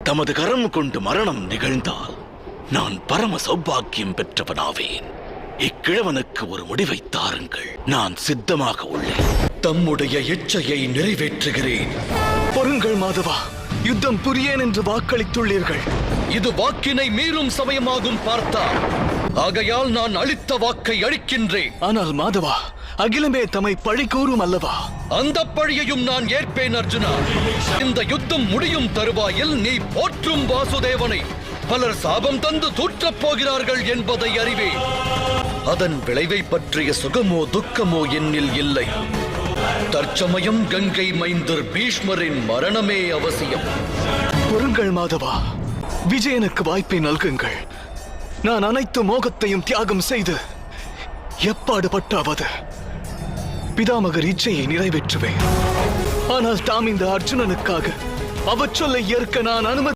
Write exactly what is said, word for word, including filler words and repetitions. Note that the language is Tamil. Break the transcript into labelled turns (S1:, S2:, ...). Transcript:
S1: தமது கரம் கொண்டு மரணம் நிகழ்ந்தால் நான் பரம சௌபாக்கியம் பெற்றவனாவேன். இக்கிழவனுக்கு ஒரு முடிவை தாருங்கள். நான் சித்தமாக உள்ளேன்.
S2: தம்முடைய இச்சையை நிறைவேற்றுகிறேன்.
S3: பொறுங்கள் மாதவா, யுத்தம் புரியேன் என்று வாக்களித்துள்ளீர்கள்.
S2: இது வாக்கினை மீறும் சமயமாகும் பார்த்தா. ஆகையால் நான் அளித்த வாக்கை அளிக்கின்றேன்.
S3: ஆனால் மாதவா, அகிலமே தம்மை பழி கூறும் அல்லவா?
S2: அந்த பழியையும் நான் ஏற்பேன் அர்ஜுனா. இந்த யுத்தம் முடியும் தருவாயில் நீ போற்றும் வாசுதேவனை பலர் சாபம் தந்து தூற்றப் போகிறார்கள் என்பதை அறிவேன். அதன் விளைவை பற்றிய சுகமோ துக்கமோ என்னில் இல்லை. தற்சமயம் கங்கை மைந்தர் பீஷ்மரின் மரணமே அவசியம்.
S3: பொறுங்கள் மாதவா, விஜயனுக்கு வாய்ப்பை நல்குங்கள். நான் அனைத்து மோகத்தையும் தியாகம் செய்து எப்பாடுபட்டாவது பிதாமகர் இச்சையை நிறைவேற்றுவேன். ஆனால் தாம் இந்த அர்ஜுனனுக்காக அவச்சொல்லை ஏற்க நான் அனுமதி